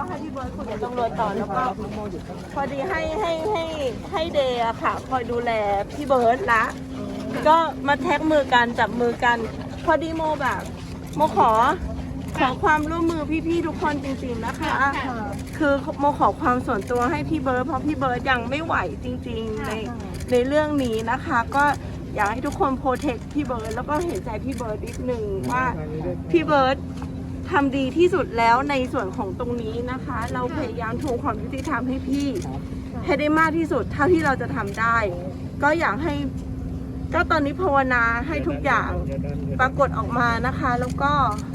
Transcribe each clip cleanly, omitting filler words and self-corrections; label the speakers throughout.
Speaker 1: ให้พี่เบิร์ดคุยกับตำรวจต่อแล้วก็พอดีให้เดย์อะค่ะคอยดูแลพี่เบิร์ดละก็มาแท็กมือกันจับมือกันพอดีโมแบบโมขอความร่วมมือพี่ๆทุกคนจริงๆนะคะคือโมขอความส่วนตัวให้พี่เบิร์ดเพราะพี่เบิร์ดยังไม่ไหวจริงๆในเรื่องนี้นะคะก็อยากให้ทุกคนโปรเทคพี่เบิร์ดแล้วก็เห็นใจพี่เบิร์ดนิดนึงว่าพี่เบิร์ดทำดีที่สุดแล้วในส่วนของตรงนี้นะคะ เราพยายามทวงความยุติธรรมให้พี่ให้ได้มากที่สุดเท่าที่เราจะทำได้ก็อยากให้ก็ตอนนี้ภาวนาให้ทุกอย่างปรากฏออกมานะคะแล้วก็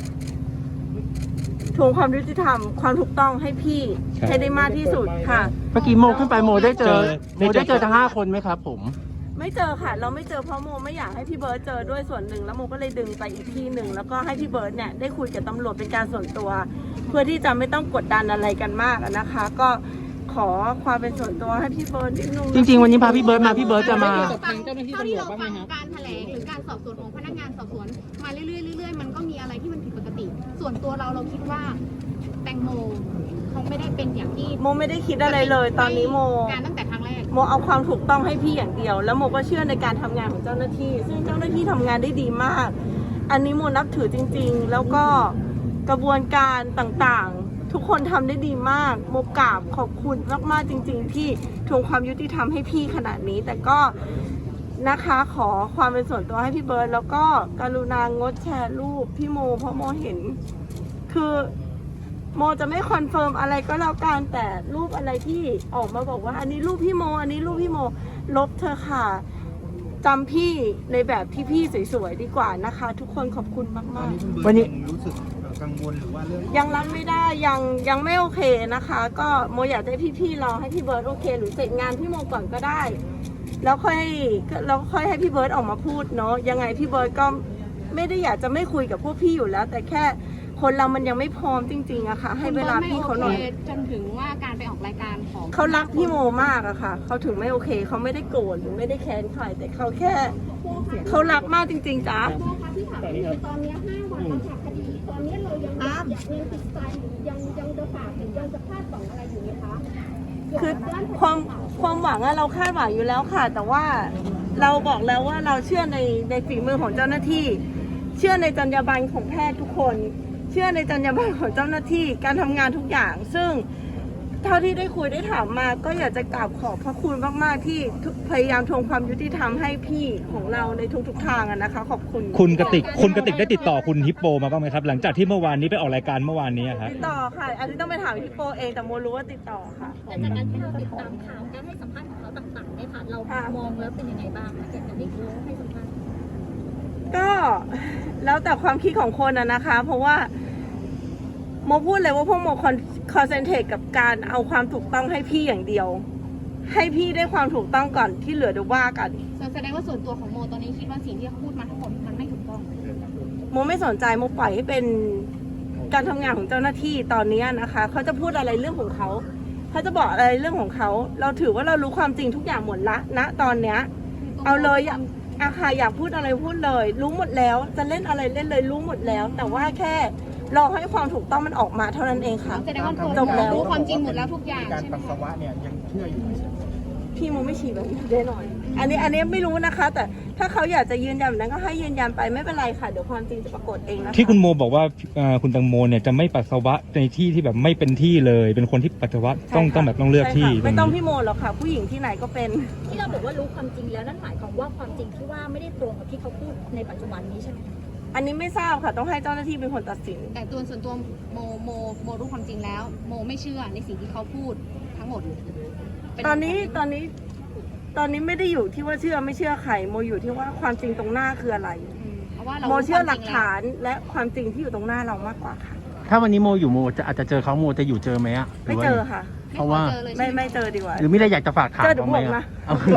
Speaker 1: ทวงความยุติธรรมความถูกต้องให้พี่ให้ได้มากที่สุดค่ะ
Speaker 2: เมื่อกี้โมขึ้นไปโมได้เจอทั้ง5 คนไหมครับผม
Speaker 1: ไม่เจอค่ะเราไม่เจอเพราะโมไม่อยากให้พี่เบิร์ดเจอด้วยส่วนหนึ่งแล้วโมก็เลยดึงไปอีกที่หนึ่งแล้วก็ให้พี่เบิร์ดเนี่ยได้คุยกับตำรวจเป็นการส่วนตัวเพื่อที่จะไม่ต้องกดดันอะไรกันมากนะคะ ก็ขอความเป็นส่วนตัวให้พี่เบิร์ดนิดนึง
Speaker 2: จริงๆวันนี้พาพี่เบิร์ดมาพี่เบิร์ดจะมา
Speaker 3: เท่าที่เราฟังการแถลงหรือการสอบสวนของพนักงานสอบสวนมาเรื่อยๆมันก็มีอะไรที่มันผิดปกติส่วนตัวเราคิดว่าแตงโมคงไม่ได้เป็นอย่างที่
Speaker 1: โมไม่ได้คิดอะไรเลยตอนนี้โม
Speaker 3: การตั้งแต่ครั้งแรก
Speaker 1: โมเอาความถูกต้องให้พี่อย่างเดียวแล้วโมก็เชื่อในการทำงานของเจ้าหน้าที่ซึ่งเจ้าหน้าที่ทำงานได้ดีมากอันนี้โมนับถือจริงๆแล้วก็กระบวนการต่างๆทุกคนทำได้ดีมากโมกราบขอบคุณมากๆจริงๆที่ทวงความยุติธรรมให้พี่ขนาดนี้แต่ก็นะคะขอความเป็นส่วนตัวให้พี่เบิร์ดแล้วก็กรุณางดแชร์รูปพี่โมเพราะโมเห็นคือโมจะไม่คอนเฟิร์มอะไรก็แล้วกันแต่รูปอะไรที่ออกมาบอกว่าอันนี้รูปพี่โมอันนี้รูปพี่โมลบเธอค่ะจำพี่ในแบบที่พี่สวยๆดีกว่านะคะทุกคนขอบคุณมากๆ
Speaker 4: วันนี้รู้สึกกังวลหรือว่าเรื่อง
Speaker 1: ยังรับไม่ได้ยังไม่โอเคนะคะก็โมอยากให้พี่ๆรอให้พี่เบิร์ดโอเคหรือเสร็จงานพี่โมก่อนก็ได้แล้วค่อยให้พี่เบิร์ดออกมาพูดเนาะยังไงพี่เบิร์ดก็ไม่ได้อยากจะไม่คุยกับพวกพี่อยู่แล้วแต่แค่คนเรามันยังไม่พร้อมจริงๆอะค่ะให้เวลาพี่เขาหน่อย
Speaker 3: จนถึงว่าการไปออกรายการของ
Speaker 1: เขารักพี่โมมากอะค่ะเขาถึงไม่โอเคเขาไม่ได้โกรธหรือไม่ได้แค้นใครแต่เขาแค่เขารักมากจริงๆจ้า
Speaker 5: ตอนนี้5 วันแล้วค่ะคดีตอนนี้เรายังติดใจยังจะฝากหรือยังจะคาดหวังอะไรอยู่ไหมคะ
Speaker 1: คือความหวังอะเราคาดหวังอยู่แล้วค่ะแต่ว่าเราบอกแล้วว่าเราเชื่อในฝีมือของเจ้าหน้าที่เชื่อในจรรยาบรรณของแพทย์ทุกคนเชื่อในจรรยาบรรณของเจ้าหน้าที่การทำงานทุกอย่างซึ่งเท่าที่ได้คุยได้ถามมาก็อยากจะกราบขอบพระคุณมากๆที่พยายามทวงความยุติธรรมให้พี่ของเราในทุกๆทางนะคะขอบคุณ
Speaker 6: คุณกติกได้ติดต่อคุณฮิปโปมาบ้างไหมครับหลังจากที่เมื่อวานนี้ไปออกรายการเมื่อวานนี้ครับ
Speaker 1: ติดต่อค่ะอันนี้ต้องไปถามฮิปโปเองแต่โมรู้ว่าติดต่อค่ะ
Speaker 5: แต่จากการที่เราติดตามข่าวการให้สัมภาษณ์ของเขาต่างๆเนี่ยค่ะเรามองแล้วเป็นยังไงบ้างจากการที่เขาให้สัมภาษณ์
Speaker 1: ก็แล้วแต่ความคิดของคนนะคะเพราะว่าโมพูดเลยว่าพวกโมคอนเซนเทรตกับการเอาความถูกต้องให้พี่อย่างเดียวให้พี่ได้ความถูกต้องก่อนที่เหลือเดี๋ยวว่ากัน
Speaker 3: แสดงว่าส่วนตัวของโมตอนนี้คิดว่าสิ่งที่เขาพูดมาทั้งหมดมันไม่ถูกต้อง
Speaker 1: โมไม่สนใจโมปล่อยให้เป็นการทำงานของเจ้าหน้าที่ตอนนี้นะคะเขาจะพูดอะไรเรื่องของเขาเขาจะบอกอะไรเรื่องของเขาเราถือว่าเรารู้ความจริงทุกอย่างหมดละณตอนเนี้ยเอาเลยอาคาอยากพูดอะไรพูดเลยรู้หมดแล้วจะเล่นอะไรเล่นเลยรู้หมดแล้วแต่ว่าแค่รอให้ความถูกต้องมันออกมาเท่านั้นเองค่ะ
Speaker 3: แสดงว่าจบแล้วรู้ความจริงหมดแล้วทุกอย่าง
Speaker 4: การปัสสาวะเนี่ยยังเชื่ออยู่ไหม
Speaker 1: พี่โมไม่ฉี่แบบนี้แน่นอนอันนี้ไม่รู้นะคะแต่ถ้าเขาอยากจะยืนยันแบบนั้นก็ให้ยืนยันไปไม่เป็นไรค่ะเดี๋ยวความจริงจะปรากฏเองนะคะ
Speaker 6: ที่คุณโมบอกว่าคุณตังโมเนี่ยจะไม่ปัสสาวะในที่ที่แบบไม่เป็นที่เลยเป็นคนที่ปัสสาวะต้องเลือกที่
Speaker 1: ไม่ต้องพี่โมหรอกค่ะผู้หญิงที่ไหนก็เป็น
Speaker 5: ที่เราบอกว่ารู้ความจริงแล้วนั่นหมายความว่าความจริงที่ว่าไม่ได้ตรงกับที่เขาพูดในปัจจุบันนี้ใช่ไหม
Speaker 1: อันนี้ไม่ทราบค่ะต้องให้เจ้าหน้าที่เป็นคนตัดสิน
Speaker 3: แต่ส่วนตัวโมรู้ความจริงแล้วโมไม่เชื่อในสิ่งที่เขาพูดทั้งหมด
Speaker 1: ตอนนี้ไม่ได้อยู่ที่ว่าเชื่อไม่เชื่อใครโมอยู่ที่ว่าความจริงตรงหน้าคืออะไรโมเชื่อหลักฐานและความจริงที่อยู่ตรงหน้าเรามากกว่าค่ะ
Speaker 2: ถ้าวันนี้โมอยู่โมอาจจะเจอเขาโมจะอยู่เจอไหมอะ
Speaker 1: ไม่เจอค่ะ
Speaker 2: เพราะว่า
Speaker 1: ไม่เจอดีกว่า
Speaker 2: หรือไม่ได้อยากจะฝากถามเขาไหม
Speaker 1: อะ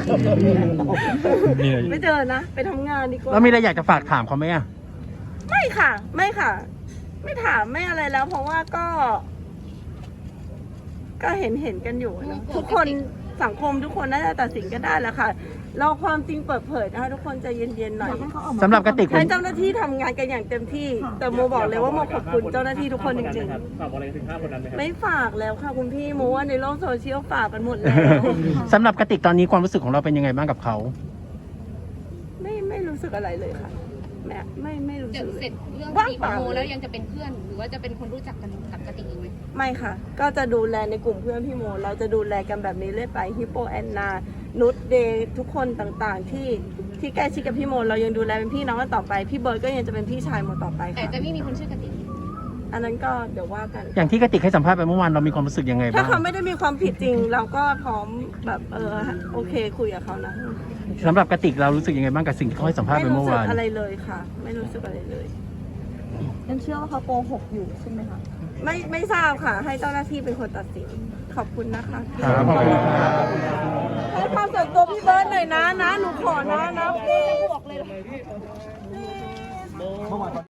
Speaker 1: ไม่เจอนะไปทำงานดีกว่า
Speaker 2: แล้วไม่ได้อยากจะฝากถามเขาไหมอะ
Speaker 1: ไม่ค่ะไม่ถามไม่อะไรแล้วเพราะว่าก็เห็นกันอยู่นะทุกคนสังคมทุกคนน่าจะตัดสินกันได้แหละค่ะ เราความจริงเปิดเผยนะคะทุกคนใจเย็นๆหน่อย
Speaker 2: สำหรับกระติก
Speaker 1: ให้เจ้าหน้าที่ทำงานกันอย่างเต็มที่ แต่โมบอกเลยว่าโมขอบคุณเจ้าหน้าที่ทุกคนจริงๆฝากอะไรถึง5 คนนั้นไหมครับไม่ฝากแล้วค่ะคุณพี่โมว่าในโลกโซเชียลฝากกันหมดแล้ว
Speaker 2: สำหรับกระติกตอนนี้ความรู้สึกของเราเป็นยังไงบ้างกับเขา
Speaker 1: ไม่รู้สึกอะไรเลยค่ะแม่ไม่รู้สึกเล
Speaker 3: เสร็
Speaker 1: ย
Speaker 3: จเรื่อง
Speaker 1: ว่าง
Speaker 3: คดีข
Speaker 1: เป
Speaker 3: อง
Speaker 1: ล่า
Speaker 3: โมแล้วยังจะเป็นเพื่อน หรือว่าจะเป็นคนรู้จักกันกับกติกอีกไหม
Speaker 1: ไม่ค่ะ ก็จะดูแลในกลุ่มเพื่อนพี่โม เราจะดูแลกันแบบนี้เรื่อยไปฮิปโปแอนนานุชเดย์ทุกคนต่างๆ ที่ใกล้ชิดกับพี่โม เรายังดูแลเป็นพี่น้องกันต่อไป พี่เบิร์ดก็ยังจะเป็นพี่ชายโมต่อไป
Speaker 3: แต่
Speaker 1: ค่ะ
Speaker 3: จะไม่มีคนชื่อกติก
Speaker 1: อันนั้นก็เดี๋ยวว่ากัน
Speaker 2: อย่างที่กระติกให้สัมภาษณ์ไปเมื่อวานเรามีความรู้สึกยังไง
Speaker 1: ถ้า
Speaker 2: บ้าง
Speaker 1: เขาไม่ได้มีความผิดจริง เราก็พร้อมแบบโอเคคุยกับเขานะ
Speaker 2: สำหรับกระติกเรารู้สึกยังไงบ้างกับสิ่งที่เขาให้สัมภาษณ์
Speaker 1: ไม่
Speaker 2: ไป
Speaker 1: รู้
Speaker 2: เมื่อ
Speaker 1: สึก
Speaker 2: วาน
Speaker 1: อะไรเลยค่ะ ไม่รู้สึกอะไรเลย
Speaker 7: ยังเชื่อว่าเขาโกหกอยู่ใช่ไหมคะ
Speaker 1: ไม่ทราบค่ะ ให้เจ้าหน้าที่เป็นคนตัดสินขอบคุณนะคะ
Speaker 2: ครับขอบคุณครับ
Speaker 1: ให้ความส่วนตัวพี่เบิร์ดหน่อยนะหนูขอนะ